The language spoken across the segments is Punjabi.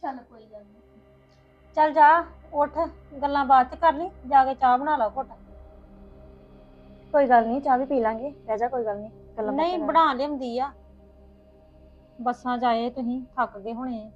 ਚੱਲ ਕੋਈ ਗੱਲ ਨਹੀਂ। ਚੱਲ ਜਾ ਉੱਠ, ਗੱਲਾਂ ਬਾਅਦ ਚ ਕਰ ਲਈ, ਜਾ ਕੇ ਚਾਹ ਬਣਾ ਲਾ ਘੁੱਟ। ਕੋਈ ਗੱਲ ਨਹੀਂ, ਚਾਹ ਵੀ ਪੀ ਲਾਂਗੇ, ਰਹਿ ਜਾ, ਕੋਈ ਗੱਲ ਨਹੀਂ, ਗੱਲਾਂ ਬਾਤਾਂ ਨਹੀਂ ਕਰਾਂਗੇ। ਬਣਾ ਲਿਆਉਂਦੀ ਆ, ਬੱਸਾਂ ਜਾਏ ਤੁਸੀਂ ਥੱਕ ਗਏ ਹੋਣੇ।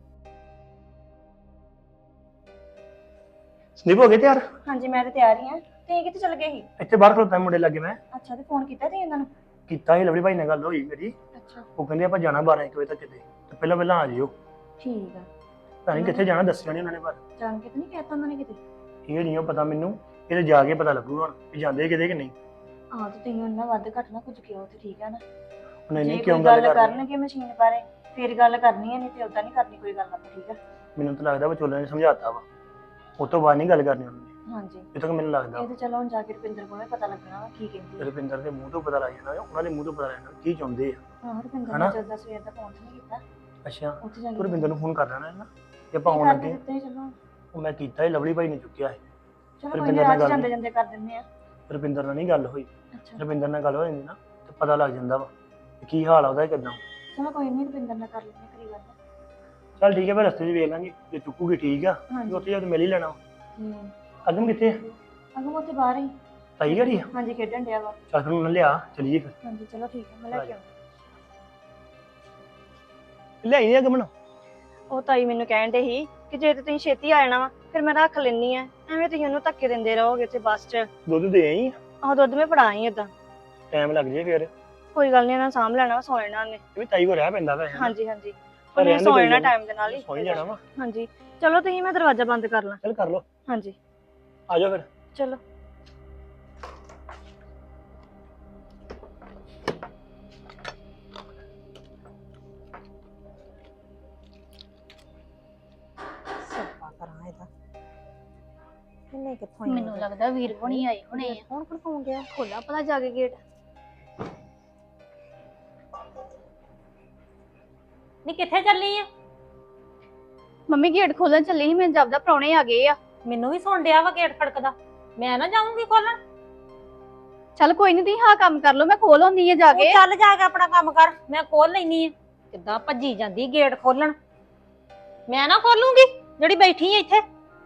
ਸੰਦੀਪ ਹੋ ਗਏ ਤਿਆਰ? ਹਾਂਜੀ ਮੈਂ ਤੇ ਤਿਆਰ ਹੀ ਆ। ਤੁਸੀਂ ਕਿੱਥੇ ਚਲ ਗਏ ਸੀ? ਇੱਥੇ ਬਾਹਰ ਖਲੋਤਾ ਮੁੰਡੇ ਲੱਗੇ ਮੈਂ ਅੱਛਾ, ਤੇ ਫੋਨ ਕੀਤਾ ਤੁਸੀਂ ਇਹਨਾਂ ਨੂੰ? ਕੀਤਾ ਸੀ, ਲਵਲੀ ਭਾਈ ਨਾਲ ਗੱਲ ਹੋਈ ਮੇਰੀ। ਅੱਛਾ ਉਹ ਕਹਿੰਦੇ ਆਪਾਂ ਜਾਣਾ 12 ਵਜੇ ਤੱਕ ਕਿਤੇ, ਤੇ ਪਹਿਲਾਂ ਆ ਜਿਓ। ਠੀਕ ਆ। ਪਤਾ ਨਹੀਂ ਕਿੱਥੇ ਜਾਣਾ, ਦੱਸਿਆ ਨਹੀਂ ਉਹਨਾਂ ਨੇ, ਪਰ ਜਾਣ ਕੇ ਤਾਂ ਨਹੀਂ ਕਹਿਤਾ ਉਹਨਾਂ ਨੇ ਕਿਤੇ? ਇਹ ਨਹੀਂ ਪਤਾ ਮੈਨੂੰ, ਇਹਦੇ ਜਾ ਕੇ ਪਤਾ ਲੱਗੂਗਾ ਹੁਣ ਵੀ ਜਾਂਦੇ ਕਿਤੇ ਕਿ ਨਹੀਂ। ਹਾਂ ਤੇ ਤੁਸੀਂ ਉਹਨਾਂ ਵੱਧ ਘੱਟ ਨਾ ਕੁਝ ਕਿਹਾ ਤੇ ਠੀਕ ਆ ਨਾ। ਉਹਨੇ ਨਹੀਂ ਜੇ ਕਿਉਂ ਕੋਈ ਗੱਲ ਗੱਲ ਕਰਨੀ, ਕਰਨਗੇ ਮਸ਼ੀਨ ਬਾਰੇ ਫੇਰ ਗੱਲ ਕਰਨੀ ਹੈ, ਨਹੀਂ ਤੇ ਉਦਾਂ ਨਹੀਂ ਕਰਨੀ ਕੋਈ ਗੱਲ ਆਪਾਂ, ਠੀਕ ਆ? ਮੈਨੂੰ ਤਾਂ ਲੱਗਦਾ ਵਿਚੋਲੇ ਨੇ ਸਮਝਾਤਾ ਵਾ, ਉਹ ਤੋਂ ਬਾਅਦ ਨਹੀਂ ਗੱਲ ਕਰਨੀ ਉਹਨੇ, ਹਾਂਜੀ ਇਹ ਤੱਕ ਮੈਨੂੰ ਲੱਗਦਾ। ਇਹ ਤਾਂ ਚਲੋ ਹੁਣ ਜਾ ਕੇ ਰੁਪਿੰਦਰ ਕੋਲੋਂ ਪਤਾ ਲੱਗਣਾ ਵਾ ਕੀ ਕਹਿੰਦੀ ਹੈ। ਰੁਪਿੰਦਰ ਦੇ ਮੂੰਹ ਤੋਂ ਪਤਾ ਲੱਗ ਜਾਣਾ, ਉਹਨਾਂ ਦੇ ਮੂੰਹ ਤੋਂ ਪਤਾ ਲੱਗ ਜਾਣਾ ਕੀ ਚਾਹੁੰਦੇ ਆ। ਹਾਂ ਰੁਪਿੰਦਰ ਹਨਾ? ਨੇ ਜਦੋਂ ਸਵੇਰ ਦਾ ਫੋਨ ਨਹੀਂ ਕੀਤਾ, ਅੱਛਾ, ਉੱਥੇ ਜਾ ਤੂੰ ਕੇ ਰੁਪਿੰਦਰ ਨੂੰ ਫੋਨ ਕਰ ਲੈਣਾ ਨਾ, ਜੇ ਆਪਾਂ ਆਉਣ ਕਰਕੇ ਲੱਗੇ। ਦਿੱਤੇ ਸੀ, ਚਲੋ ਉਹ ਮੈਂ ਕੀਤਾ ਹੀ, ਲਵਲੀ ਭਾਈ ਨੇ ਚੁੱਕਿਆ ਸੀ। ਚਲੋ ਕੋਈ ਰੁਪਿੰਦਰ ਨਹੀਂ, ਨਾਲ ਅੱਜ ਗੱਲ ਜਾਂਦੇ ਜਾਂਦੇ ਕਰ ਦਿੰਦੇ ਆ। ਰੁਪਿੰਦਰ ਨਾਲ ਨਹੀਂ ਗੱਲ ਹੋਈ, ਅੱਛਾ ਰੁਪਿੰਦਰ ਨਾਲ ਗੱਲ ਹੋ ਜਾਂਦੀ ਨਾ ਤੇ ਪਤਾ ਲੱਗ ਜਾਂਦਾ ਵਾ ਕਿ ਕੀ ਹਾਲ ਆ ਉਹਦਾ, ਕਿੱਦਾਂ। ਚਲੋ ਕੋਈ ਨਹੀਂ, ਰੁਪਿੰਦਰ ਨਾਲ ਕਰ ਲੈਂਦੇ ਕਰੀ ਗੱਲ। ਚੱਲ ਠੀਕ ਹੈ, ਫਿਰ ਰਸਤੇ 'ਚ ਵੇਖ ਲਾਂਗੇ, ਜੇ ਚੁੱਕੂਗੀ ਠੀਕ ਆ, ਹਾਂਜੀ ਉੱਥੇ ਜਾ ਕੇ ਮਿਲ ਹੀ ਲੈਣਾ। ਹੂੰ ਅਗਮ ਕਿੱਥੇ ਆ? ਅਗਮ ਉੱਥੇ ਬਾਹਰ ਹੀ। ਤਾਈ ਘਰੀ ਆ? ਹਾਂਜੀ ਖੇਡਣ ਡਿਆ ਵਾ। ਚੱਲ ਫਿਰ ਉਹਨੂੰ ਲਿਆ, ਚਲੀਏ ਫਿਰ। ਹਾਂਜੀ ਚਲੋ ਠੀਕ ਹੈ, ਮੈਂ ਲੈ ਕੇ ਆਉਂਦੀ। ਲਿਆਈ ਅਗਮ ਨੂੰ। ਉਹ ਤਾਈ ਮੈਨੂੰ ਕਹਿਣ ਦੇ ਸੀ ਕਿ ਜੇ ਤੇ ਤੁਸੀਂ ਛੇਤੀ ਆ ਜਾਣਾ ਵਾ ਫਿਰ ਮੈਂ ਰੱਖ ਲੈਣੀ ਆ, ਐਵੇਂ ਤੁਸੀਂ ਉਹਨੂੰ ਧੱਕੇ ਦਿੰਦੇ ਰਹੋਗੇ ਤੇ ਬੱਸ 'ਚ। ਦੁੱਧ ਦੇ ਆਈ, ਆਹ ਦੁੱਧ ਮੈਂ ਫੜਾ ਆਈ ਏਦਾਂ। ਟਾਈਮ ਲੱਗ ਜੇ ਫਿਰ। ਕੋਈ ਗੱਲ ਨਹੀਂ, ਇਹਨਾਂ ਸਾਂਭ ਲੈਣਾ ਵਾ, ਸੌ ਜਾਣਾ ਉਹਨੇ। ਇਹ ਵੀ ਤਾਈ ਕੋ ਰਹਿ ਪੈਂਦਾ ਵਾ। ਹਾਂਜੀ ਹਾਂਜੀ ਪਰ ਉਹਨੇ ਰਹਿਣ ਦੇ ਸੌ ਕੋਈ ਜਾਣਾ ਗੱਲ ਟਾਈਮ ਦੇ ਨਾਲ ਹੀ। ਸੌਂ ਹੀ ਜਾਣਾ ਵਾ। ਹਾਂਜੀ ਚਲੋ ਤੁਸੀਂ, ਮੈਂ ਦਰਵਾਜ਼ਾ ਬੰਦ ਕਰ ਲਾਂ। ਚੱਲ ਕਰ ਲੋ, ਹਾਂਜੀ ਆ ਜਾਓ ਫਿਰ। ਚਲੋ। ਸੱਪਾ ਕਰਾਂ ਇਹਦਾ, ਇਹਨੇ ਕਿੱਥੋਂ ਆਈ ਮੈਨੂੰ ਲੱਗਦਾ ਵੀਰ ਹੋਣੀ ਆਏ ਹੋਣੇ ਆ। ਕੌਣ ਖੜਕਾਉਂ ਗਿਆ? ਖੋਲਾ ਪਤਾ ਜਾ ਕੇ ਗੇਟ। ਨੀ ਕਿੱਥੇ ਚੱਲੀ ਆ? ਮੰਮੀ ਗੇਟ ਖੋਲਣ ਚੱਲੀ ਸੀ, ਮੈਨੂੰ ਜਾਪਦਾ ਪ੍ਰਾਹੁਣੇ ਆ ਗਏ ਆ। ਮੈਨੂੰ ਵੀ ਸੁਣ ਡਿਆ ਵਾ ਗੇਟ ਖੜਕਦਾ, ਮੈਂ ਨਾ ਜਾਊਂਗੀ ਖੋਲਣ। ਚੱਲ ਕੋਈ ਨਹੀਂ, ਤੁਸੀਂ ਹਾਂ ਕੰਮ ਕਰ ਲਓ, ਮੈਂ ਖੋਲ ਆਉਂਦੀ ਆ ਜਾ ਤੂੰ ਕੇ। ਚੱਲ ਜਾ ਕੇ ਆਪਣਾ ਕੰਮ ਕਰ, ਮੈਂ ਖੋਲ ਲੈਣੀ ਆ। ਕਿੱਦਾਂ ਭੱਜੀ ਜਾਂਦੀ ਗੇਟ ਖੋਲਣ, ਮੈਂ ਨਾ ਖੋਲੂੰਗੀ ਜਿਹੜੀ ਬੈਠੀ ਆ ਇੱਥੇ।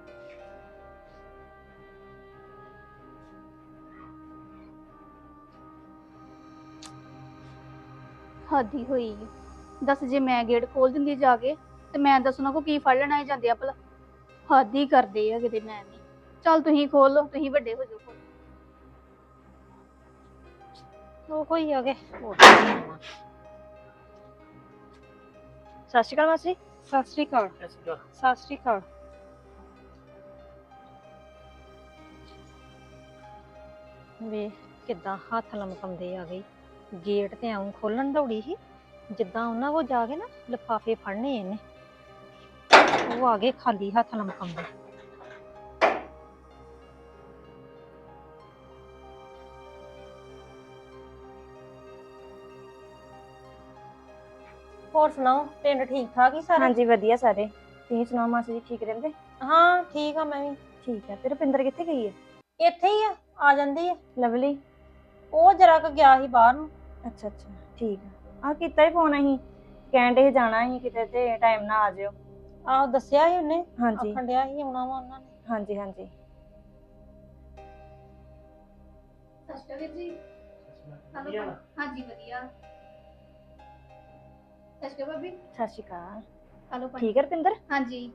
ਹਾਦੀ ਹੋਈ ਆ। ਦੱਸ ਜੇ ਮੈਂ ਗੇਟ ਖੋਲ ਦਿੰਦੀ ਜਾ ਕੇ ਤੇ ਮੈਂ ਦੱਸਣਾ ਕੋ ਕੀ ਫੜ ਲੈਣਾ ਜਾਂਦੇ ਆ ਭਲਾ। ਹਾਦੀ ਕਰਦੇ ਆ ਕਿਤੇ, ਮੈਂ ਨਹੀਂ। ਚੱਲ ਤੁਸੀਂ ਖੋਲ ਲਓ, ਤੁਸੀਂ ਵੱਡੇ ਹੋ ਜਾਓ। ਉਹ ਕੋਈ ਆ ਗਏ। ਸਤਿ ਸ਼੍ਰੀ ਅਕਾਲ ਮਾਸੀ। ਸਤਿ ਸ੍ਰੀ ਅਕਾਲ। ਸਤਿ ਸ੍ਰੀ ਅਕਾਲ। ਵੇ ਕਿੱਦਾਂ ਹੱਥ ਲਮਕਾਉਂਦੇ ਆ ਗਈ, ਗੇਟ ਤੇ ਆਉਂ ਖੋਲਣ ਦੌੜੀ ਸੀ, ਜਿੱਦਾਂ ਉਹਨਾਂ ਕੋਲ ਜਾ ਕੇ ਨਾ ਲਿਫਾਫੇ ਫੜਨੇ ਇਹਨੇ, ਉਹ ਆ ਗਏ ਖਾਲੀ ਹੱਥ ਲਮਕਾਉਂਦੇ। ਹੋਰ ਸੁਣਾਓ, ਪਿੰਡ ਠੀਕ ਠਾਕ ਹੀ ਸਾਰਾ? ਹਾਂਜੀ ਵਧੀਆ ਸਾਰੇ। ਤੁਸੀਂ ਸੁਣਾਓ ਮਾਸੀ ਜੀ, ਠੀਕ ਰਹਿੰਦੇ? ਹਾਂ ਠੀਕ ਆ, ਮੈਂ ਵੀ ਠੀਕ ਹੈ। ਤੇ ਰੁਪਿੰਦਰ ਕਿੱਥੇ ਗਈ ਹੈ? ਇੱਥੇ ਹੀ ਆ ਜਾਂਦੀ ਆ। ਲਵਲੀ? ਉਹ ਜਰਾ ਕੁ ਗਿਆ ਸੀ ਬਾਹਰ ਨੂੰ। ਅੱਛਾ ਅੱਛਾ ਠੀਕ ਆ। ਆਹ ਕੀਤਾ ਹੀ ਫੋਨ, ਅਸੀਂ ਕਹਿਣ ਦੇ ਜਾਣਾ ਸੀ ਕਿਤੇ ਤੇ ਟਾਈਮ ਨਾਲ ਆ ਜਿਓ। ਆਹੋ ਦੱਸਿਆ ਸੀ ਉਹਨੇ, ਹਾਂਜੀ ਆਖਣ ਡਿਆ ਸੀ ਆਉਣਾ ਵਾ ਉਹਨਾਂ ਨੇ। ਹਾਂਜੀ ਹਾਂਜੀ ਸਸਤਾ ਵੀਰ ਜੀ। ਹਾਂਜੀ ਵਧੀਆ। ਸਸਤਾ ਭਾਬੀ। ਸਤਿ ਸ਼੍ਰੀ ਅਕਾਲ। ਹਲੋ ਠੀਕ ਹੈ ਰੁਪਿੰਦਰ? ਹਾਂਜੀ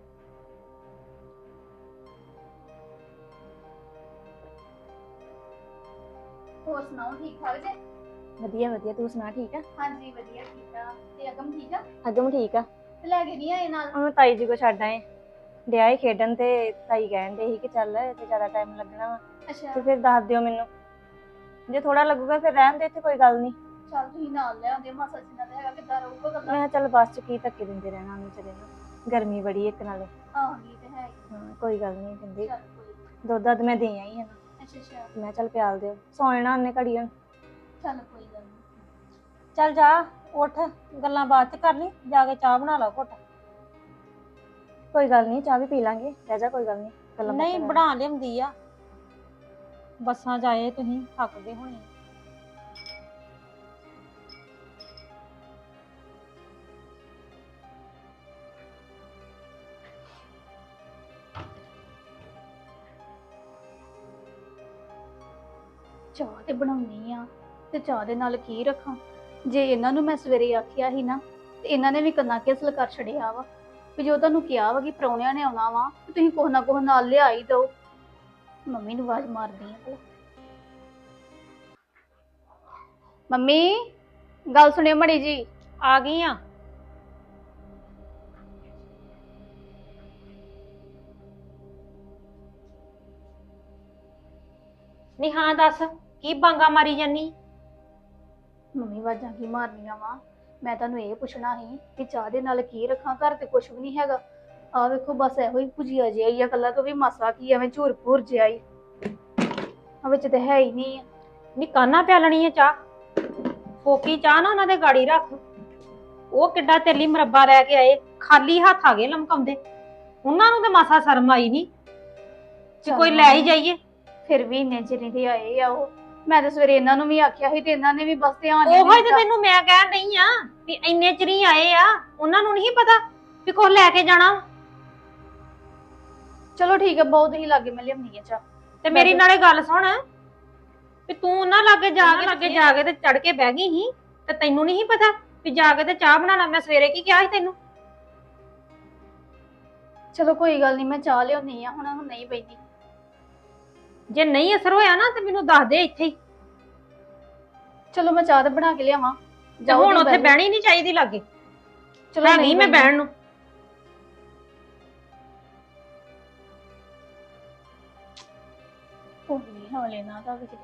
ਹੋਰ ਸੁਣਾਓ, ਠੀਕ ਠਾਕ ਜੇ? ਵਧੀਆ ਵਧੀਆ, ਤੂੰ ਸੁਣਾ ਠੀਕ ਆ? ਹਾਂਜੀ ਵਧੀਆ ਠੀਕ ਆ। ਤੇ ਅਗਮ ਠੀਕ ਆ? ਅਗਮ ਠੀਕ ਆ। ਤੇ ਲੈ ਕੇ ਨਹੀਂ ਆਏ ਨਾਲ? ਉਹਨੂੰ ਤਾਈ ਜੀ ਕੋ ਛੱਡ ਆਏ, ਡਿਆ ਹੀ ਖੇਡਣ ਤੇ ਤਾਈ ਕਹਿਣ ਦੇ ਸੀ ਕਿ ਚੱਲ ਤੇ ਜ਼ਿਆਦਾ ਟਾਈਮ ਲੱਗਣਾ ਵਾ ਅੱਛਾ ਤੇ ਫਿਰ ਦੱਸ ਦਿਓ ਮੈਨੂੰ, ਜੇ ਥੋੜਾ ਲੱਗੂਗਾ ਫਿਰ ਰਹਿਣ ਦੇ ਇੱਥੇ, ਕੋਈ ਗੱਲ ਨਹੀਂ। ਚੱਲ ਤੁਸੀਂ ਨਾਲ ਲੈ ਆਉਂਦੇ, ਮਾਸਾ ਜੀ ਨਾਲ ਹੈਗਾ ਕਿੱਦਾਂ ਰਹੂਗਾ ਮੈਂ ਗੱਲਾਂ। ਕਿਹਾ ਚੱਲ ਬੱਸ ਚ ਕੀ ਧੱਕੇ ਦਿੰਦੇ ਰਹਿਣਾ ਉਹਨੂੰ, ਚਲੇ ਨੂੰ ਗਰਮੀ ਬੜੀ ਇੱਕ ਨਾਲੇ। ਆਹੋ ਇਹ ਤੇ ਹੈ ਹੀ। ਹਾਂ ਕੋਈ ਗੱਲ ਨਹੀਂ, ਕਹਿੰਦੇ ਚੱਲ ਕੋਈ ਨੀ। ਦੁੱਧ ਦੱਧ ਮੈਂ ਦੇ ਆਈ ਹਾਂ। ਅੱਛਾ ਅੱਛਾ ਮੈਂ ਕਿਹਾ ਚੱਲ ਪਿਆਲ ਦਿਓ, ਸੌ ਜਾਣਾ ਉਹਨੇ ਘੜੀ ਹੁਣ। ਚੱਲ ਕੋਈ ਗੱਲ ਨਹੀਂ। ਚੱਲ ਜਾ ਉੱਠ, ਗੱਲਾਂ ਬਾਅਦ ਚ ਕਰ ਲਈ, ਜਾ ਕੇ ਚਾਹ ਬਣਾ ਲਾ ਘੁੱਟ। ਕੋਈ ਗੱਲ ਨਹੀਂ, ਚਾਹ ਵੀ ਪੀ ਲਾਂਗੇ, ਰਹਿ ਜਾ, ਕੋਈ ਗੱਲ ਨਹੀਂ, ਗੱਲਾਂ ਬਾਤਾਂ ਨਹੀਂ ਕਰਾਂਗੇ। ਬਣਾ ਲਿਆਉਂਦੀ ਆ, ਬੱਸਾਂ ਜਾਏ ਤੁਸੀਂ ਥੱਕ ਗਏ ਹੋਣੇ। ਚਾਹ ਤੇ ਬਣਾਉਣੀ ਆ ਤੇ ਚਾਹ ਦੇ ਨਾਲ ਕੀ ਰੱਖਾਂ। ਜੇ ਇਹਨਾਂ ਨੂੰ ਮੈਂ ਸਵੇਰੇ ਆਖਿਆ ਸੀ ਨਾ ਤੇ ਇਹਨਾਂ ਨੇ ਵੀ ਕੰਨਾਂ ਕੇਸਲ ਕਰ ਛੜਿਆ ਵਾ ਵੀ ਜੋ ਤੁਹਾਨੂੰ ਕਿਹਾ ਵਾ ਕਿ ਪ੍ਰਾਹੁਣਿਆਂ ਨੇ ਆਉਣਾ ਵਾ ਤੇ ਤੁਸੀਂ ਕੁਛ ਨਾ ਕੁਛ ਨਾਲ ਲਿਆ ਹੀ ਦਿਓ। ਮੰਮੀ ਨੂੰ ਆਵਾਜ਼ ਮਾਰਦੀ ਆ ਭਲਾ। ਮੰਮੀ ਗੱਲ ਸੁਣਿਓ ਮੜੀ ਜੀ। ਆ ਗਈ ਆ। ਨੀ ਹਾਂ ਦੱਸ, ਕੀ ਬਾਂਗਾ ਮਾਰੀ ਜਾਨੀ? ਮੰਮੀ ਆਵਾਜ਼ਾਂ ਕੀ ਮਾਰਨੀਆਂ ਵਾ। ਮੈਂ ਤੁਹਾਨੂੰ ਇਹ ਪੁੱਛਣਾ ਸੀ ਕਿ ਚਾਹ ਦੇ ਨਾਲ ਕੀ ਰੱਖਾਂ, ਘਰ ਤੇ ਕੁਛ ਵੀ ਨਹੀਂ ਹੈਗਾ। ਆ ਵੇਖੋ ਬਸ ਇਹੋ ਹੀ ਭੁਜੀਆ ਜਿਹਾ ਹੀ ਆ, ਕੱਲਾ ਤੋਂ ਵੀ ਮਾਸਾ ਕੀ ਐਵੇਂ ਝੂਰ ਭੂਰ ਜਿਹਾ ਹੀ ਆ, ਵਿੱਚ ਤੇ ਹੈ ਹੀ ਨਹੀਂ ਆ। ਨੀ ਕਾਨਾ ਪਿਆਲਣੀ ਆ ਚਾਹ? ਫੋਕੀ ਚਾਹ ਨਾ ਉਹਨਾਂ ਦੇ ਗਾੜੀ ਰੱਖ। ਉਹ ਕਿੱਡਾ ਤੇਲੀ ਮੁਰੱਬਾ ਲੈ ਕੇ ਆਏ, ਖਾਲੀ ਹੱਥ ਆ ਗਏ ਲਮਕਾਉਂਦੇ। ਉਹਨਾਂ ਨੂੰ ਤੇ ਮਾਸਾ ਸ਼ਰਮ ਆਈ ਨਹੀਂ ਕਿ ਕੋਈ ਲੈ ਹੀ ਜਾਈਏ। ਫਿਰ ਵੀ ਇੰਨੇ ਚਿਰ ਦੇ ਆਏ ਆ ਉਹ। ਮੈਂ ਤਾਂ ਸਵੇਰੇ ਇਹਨਾਂ ਨੂੰ ਵੀ ਆਖਿਆ ਸੀ ਤੇ ਇਹਨਾਂ ਨੇ ਵੀ ਬਸ ਧਿਆਨ ਉਹੋ ਹੀ ਤੇ ਤੈਨੂੰ ਮੈਂ ਕਹਿਣ ਡਈ ਆ ਵੀ ਇੰਨੇ ਚਿਰ ਹੀ ਆਏ ਆ, ਉਹਨਾਂ ਨੂੰ ਨਹੀਂ ਪਤਾ ਵੀ ਕੁਝ ਲੈ ਕੇ ਜਾਣਾ। ਚਲੋ ਠੀਕ ਹੈ, ਬਹੁਤ ਹੀ ਲਾਗੇ ਮੈਂ ਲਿਆਉਣੀ ਆ ਚਾਹ। ਤੇ ਮੇਰੀ ਨਾਲੇ ਗੱਲ ਸੁਣ ਵੀ ਤੂੰ ਉਹਨਾਂ ਲਾਗੇ ਜਾ ਕੇ ਤੇ ਚੜ ਕੇ ਬਹਿ ਗਈ ਸੀ ਤੇ ਤੈਨੂੰ ਨਹੀਂ ਪਤਾ ਵੀ ਜਾ ਕੇ ਤੇ ਚਾਹ ਬਣਾ ਲਾ। ਮੈਂ ਸਵੇਰੇ ਕੀ ਕਿਹਾ ਸੀ ਤੈਨੂੰ? ਚਲੋ ਕੋਈ ਗੱਲ ਨਹੀਂ, ਮੈਂ ਚਾਹ ਲਿਆਉਣੀ ਆ, ਹੁਣ ਨਹੀਂ ਬੈਠੀ। ਜੇ ਨਹੀਂ ਅਸਰ ਹੋਇਆ ਨਾ ਤੇ ਮੈਨੂੰ ਦੱਸ ਦੇ ਇੱਥੇ ਹੀ। ਚਲੋ ਮੈਂ ਚਾਹ ਤਾਂ ਬਣਾ ਕੇ ਲਿਆਵਾਂ। ਤੇ ਹੁਣ ਉੱਥੇ ਬਹਿਣੀ ਨਹੀਂ ਚਾਹੀਦੀ ਲਾਗੇ। ਚਲੋ ਹੈਗੀ ਮੈਂ ਬਹਿਣ ਨੂੰ। ਨਹੀਂ ਹਾਲ ਇਹਨਾਂ ਦਾ ਵੀ ਕਿਤੇ।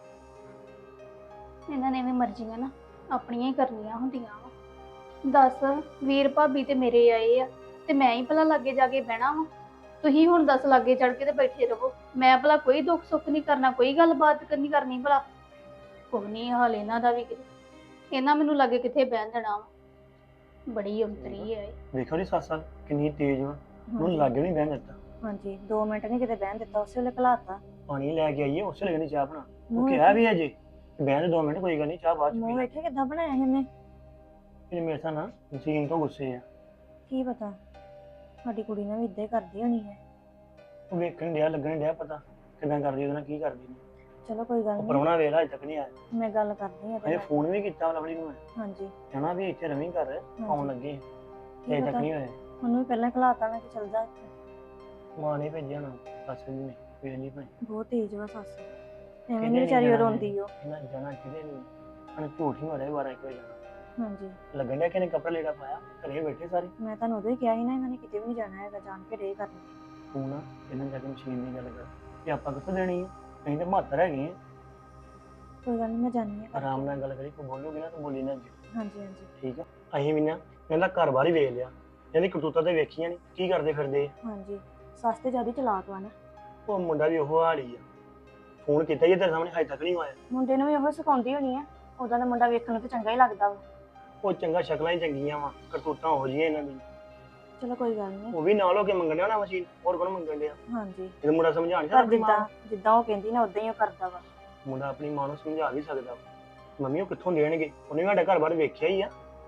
ਇਹਨਾਂ ਨੇ ਵੀ ਮਰਜ਼ੀਆਂ ਨਾ ਆਪਣੀਆਂ ਹੀ ਕਰਨੀਆਂ ਹੁੰਦੀਆਂ ਵਾ। ਦੱਸ ਵੀਰ ਭਾਬੀ ਤੇ ਮੇਰੇ ਆਏ ਆ ਤੇ ਮੈਂ ਹੀ ਭਲਾ ਲਾਗੇ ਜਾ ਕੇ ਬਹਿਣਾ ਵਾ। ਤੁਸੀਂ ਹੁਣ ਦੱਸ ਲਾਗੇ ਚੜ ਕੇ ਤੇ ਬੈਠੇ ਰਹੋ। ਮੈਂ ਭਲਾ ਕੋਈ ਦੁੱਖ ਸੁੱਖ ਨਹੀਂ ਕਰਨਾ, ਕੋਈ ਗੱਲਬਾਤ ਨਹੀਂ ਕਰਨੀ ਭਲਾ। ਕੋਈ ਨਹੀਂ ਹਾਲ ਇਹਨਾਂ ਦਾ ਵੀ ਕਿਤੇ। ਇਹਨਾਂ ਮੈਨੂੰ ਲੱਗੇ ਕਿੱਥੇ ਬਹਿਣ ਦੇਣਾ ਵਾ। ਬੜੀ ਅੰਤਰੀ ਹੈ। ਵੇਖੋ ਜੀ ਸੱਸ ਕਿੰਨੀ ਤੇਜ਼ ਵਾ, ਉਹਨੂੰ ਲਾਗੇ ਨਹੀਂ ਬਹਿਣ ਦਿੱਤਾ। ਹਾਂਜੀ 2 ਮਿੰਟ ਨਹੀਂ ਕਿਤੇ ਬਹਿਣ ਦਿੱਤਾ, ਉਸੇ ਵੇਲੇ ਘਲਾਤਾ। ਪਾਣੀ ਲੈ ਕੇ ਆਈਏ, ਉਸੇ ਲੱਗਣੀ ਚਾਹ ਬਣਾ। ਉਹ ਕਿਹਾ ਵੀ ਅਜੇ ਬਹਿਣ ਦੇ 2 ਮਿੰਟ, ਕੋਈ ਗੱਲ ਨਹੀਂ, ਚਾਹ ਬਾਅਦ ਚ ਮੂੰਹ ਪੀ ਵੇਖੇ ਕਿੱਦਾਂ ਬਣਾਇਆ ਇਹਨੇ। ਲੈ। ਮੇਰੇ ਸਾਹ ਨਾ ਮਸ਼ੀਨ ਤੋਂ ਗੁੱਸੇ ਆ। ਕੀ ਪਤਾ ਸਾਡੀ ਕੁੜੀ ਨੇ ਵੀ ਇਦਾਂ ਹੀ ਕਰਦੀ ਹੋਣੀ ਹੈ। ਉਹ ਵੇਖਣ ਡਿਆ, ਲੱਗਣ ਡਿਆ ਪਤਾ ਕਿੱਦਾਂ ਕਰਦੀ, ਉਹਦੇ ਨਾਲ ਕੀ ਕਰਦੀ ਨੇ। ਚਲੋ ਕੋਈ ਗੱਲ ਉਹ ਨਹੀਂ, ਪ੍ਰਾਹੁਣਾ ਵੇਖ ਲਾ ਅਜੇ ਤੱਕ ਨਹੀਂ ਆਇਆ। ਮੈਂ ਗੱਲ ਕਰਦੀ ਹਾਂ ਅਜੇ ਫੋਨ ਵੀ ਕੀਤਾ ਲਵਲੀ ਨੂੰ। ਹਾਂਜੀ ਕਹਿਣਾ ਵੀ ਇੱਥੇ ਰਵੀਂ ਘਰ ਆਉਣ ਲੱਗੇ, ਕੀ ਅਜੇ ਤੱਕ ਪਤਾ ਨਹੀਂ ਹੋਇਆ। ਉਹਨੂੰ ਵੀ ਪਹਿਲਾਂ ਘਲਾਤਾ ਮੈਂ ਕਿ ਚੱਲ ਜਾ ਇੱਥੇ। ਮਾਂ ਨੇ ਭੇਜਿਆ ਨਾ ਸੱਸ ਜੀ ਨੇ, ਵੇਖ ਲਈ ਭਾਈ ਬਹੁਤ ਤੇਜ਼ ਵਾ ਸੱਸ, ਐਵੇਂ ਕਿਹਨੇ ਨਹੀਂ ਵਿਚਾਰੀ ਨੀ ਉਹ ਜਾਣਾ ਰੋਂਦੀ ਉਹ। ਇਹਨਾਂ ਜਾਣਾ ਕਿਤੇ ਨਹੀਂ। ਉਹਨੇ ਝੂਠ ਹੀ ਮਾਰਿਆ 12 ਵਜੇ ਜਾਣਾ। ਹਾਂਜੀ ਲੱਗਣ ਡਿਆ ਕਿ ਇਹਨੇ ਕੱਪੜਾ ਲੀੜਾ ਪਾਇਆ, ਘਰੇ ਬੈਠੇ ਸਾਰੇ। ਮੈਂ ਤੁਹਾਨੂੰ ਉਦੋਂ ਹੀ ਕਿਹਾ ਸੀ ਨਾ ਇਹਨਾਂ ਨੇ ਕਿਤੇ ਵੀ ਨਹੀਂ ਜਾਣਾ ਹੈਗਾ, ਜਾਣ ਕੇ ਡੇ ਕਰਨੀ। ਤੂੰ ਨਾ ਇਹਨਾਂ ਜਾ ਕੇ ਮਸ਼ੀਨ ਦੀ ਗੱਲ ਕਰ ਕਿ ਆਪਾਂ ਕਿੱਥੋਂ ਦੇਣੀ ਹੈ, ਅਸੀਂ ਤਾਂ ਮਾਤਰ ਹੈਗੇ ਆ। ਕੋਈ ਗੱਲ ਨਹੀਂ, ਮੈਂ ਜਾਣੀ ਆ। ਆਰਾਮ ਨਾਲ ਗੱਲ ਕਰੀ, ਕੋਈ ਬੋਲੋਗੇ ਨਾ ਤੂੰ ਬੋਲੀ ਨਾ ਅੱਗੇ, ਹਾਂਜੀ ਹਾਂਜੀ ਠੀਕ ਆ। ਅਸੀਂ ਵੀ ਨਾ ਇਹਦਾ ਘਰ ਬਾਰ ਹੀ ਵੇਖ ਲਿਆ, ਇਹਦੀ ਕਰਤੂਤਾਂ ਤੇ ਵੇਖੀਆਂ ਨਹੀਂ ਕੀ ਕਰਦੇ ਫਿਰਦੇ ਆ। ਹਾਂਜੀ ਸੱਸ ਤੇ ਜਿਆਦਾ ਚਲਾਕ ਵਾ ਨਾ। ਉਹ ਮੁੰਡਾ ਵੀ ਉਹ ਹਾਲ ਹੀ ਆ। ਫੋਨ ਕੀਤਾ ਹੀ ਤੇਰੇ ਸਾਹਮਣੇ, ਹਜੇ ਤੱਕ ਨਹੀਂ ਆਇਆ। ਮੁੰਡੇ ਨੂੰ ਵੀ ਉਹ ਸਿਖਾਉਂਦੀ ਹੋਣੀ ਆ, ਉਹਦਾ ਦਾ ਮੁੰਡਾ ਵੇਖਣ ਨੂੰ ਤਾਂ ਚੰਗਾ ਹੀ ਲੱਗਦਾ ਵਾ। ਉਹ ਚੰਗਾ ਸ਼ਕਲਾਂ ਹੀ ਚੰਗੀਆਂ ਵਾ, ਕਰਤੂਤਾਂ ਹੋ ਜੀਆਂ ਇਹਨਾਂ ਦੀ। ਚਲੋ ਕੋਈ ਗੱਲ ਨਹੀਂ। ਉਹ ਵੀ ਨਾਲ ਹੋ ਕੇ ਮੰਗਣ ਡਿਆ ਨਾ ਮਸ਼ੀਨ, ਹੋਰ ਕੋਣ ਮੰਗਣ ਡਿਆ। ਹਾਂਜੀ ਇਹ ਮੁੰਡਾ ਸਮਝਾ ਨਹੀਂ ਪਰ ਸਕਦਾ। ਜਿੱਦਾਂ ਉਹ ਕਹਿੰਦੀ ਨਾ ਉਦਾਂ ਹੀ ਉਹ ਕਰਦਾ ਵਾ। ਮੁੰਡਾ ਆਪਣੀ ਮਾਂ ਨੂੰ ਸਮਝਾ ਵੀ ਸਕਦਾ ਵਾ। ਮੰਮੀ ਉਹ ਕਿੱਥੋਂ ਦੇਣਗੇ, ਉਹਨੇ ਵੀ ਸਾਡਾ ਘਰ ਬਾਰ ਵੇਖਿਆ ਹੀ ਆ।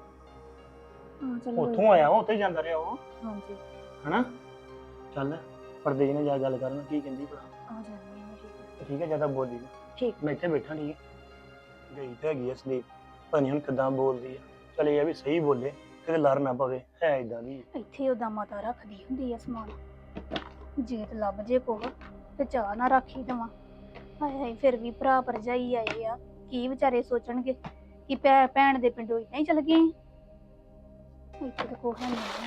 ਹਾਂ ਚਲੋ ਕੋਈ ਉੱਥੋਂ ਆਇਆ ਵਾ, ਉੱਥੇ ਜਾਂਦਾ ਰਿਹਾ ਉਹ, ਹਾਂਜੀ ਹਨਾ। ਚੱਲ ਪਰਦੇ ਜੀ ਨਾਲ ਜਾ ਗੱਲ ਕਰਨ, ਕੀ ਕਹਿੰਦੀ ਭਲਾ। ਆ ਜਾਂਦੀ ਹਾਂ ਮੈਂ, ਠੀਕ ਹੈ। ਠੀਕ ਹੈ, ਜਿਆਦਾ ਬੋਲੀ ਨਾ। ਠੀਕ। ਮੈਂ ਇੱਥੇ ਬੈਠਾ, ਠੀਕ ਹੈ। ਗਈ ਤੇ ਹੈਗੀ ਆ ਸੰਦੀਪ, ਪਤਾ ਨਹੀਂ ਹੁਣ ਕਿੱਦਾਂ ਬੋਲਦੀ ਆ। ਚੱਲ ਇਹ ਆ ਵੀ ਸਹੀ ਬੋਲੇ, ਕਿਤੇ ਲੜ ਨਾ ਪਵੇ, ਹੈ ਇਦਾਂ ਦੀ। ਇੱਥੇ ਉਹਦਾ ਮਾਤਾ ਰੱਖਦੀ ਹੁੰਦੀ ਆ ਸਮਾਨ, ਜੇ ਤੇ ਲੱਭ ਜੇ ਕੋਹ ਤੇ ਚਾਹ ਨਾ ਰੱਖੀ ਦੇਵਾਂ। ਹਾਏ ਹਾਏ, ਫਿਰ ਵੀ ਭਰਾ ਭਰਜਾਈ ਆਏ ਆ, ਕੀ ਵਿਚਾਰੇ ਸੋਚਣਗੇ ਕਿ ਭੈਣ ਦੇ ਪਿੰਡੋਂ ਇਦਾਂ ਹੀ ਚਲ ਗਏ। ਇੱਥੇ ਤਾਂ ਕੋਹ ਨਹੀਂ।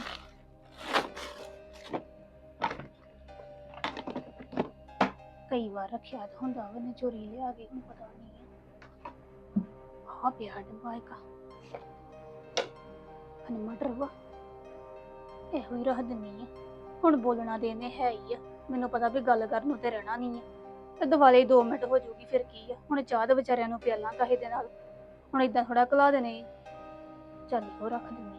ਕਈ ਵਾਰ ਰੱਖਿਆ ਤਾਂ ਹੁੰਦਾ ਉਹਨੇ ਚੋਰੀ ਲਿਆ ਕੇ, ਹੁਣ ਪਤਾ ਨਹੀਂ ਆ ਪਿਆ ਡੱਬਾ ਇੱਕ ਮਟਰ ਵਾ, ਇਹੋ ਹੀ ਰੱਖ ਦਿੰਨੀ ਆ। ਹੁਣ ਬੋਲਣਾ ਤੇ ਇਹਨੇ ਹੈ ਹੀ ਆ, ਮੈਨੂੰ ਪਤਾ ਵੀ ਗੱਲ ਕਰਨ ਨੂੰ ਤੇ ਰਹਿਣਾ ਨਹੀਂ ਆ, ਤੇ ਦੁਆਲੇ 2 ਮਿੰਟ ਹੋ ਜਾਊਗੀ, ਫਿਰ ਕੀ ਆ। ਹੁਣ ਚਾਹ ਦੇ ਵਿਚਾਰਿਆਂ ਨੂੰ ਪਿਆਲਾਂ ਕਾਹੇ ਦੇ ਨਾਲ, ਹੁਣ ਇਦਾਂ ਥੋੜਾ ਘਲਾ ਦੇਣੇ। ਚੱਲ ਉਹ ਰੱਖ ਦਿੰਨੀ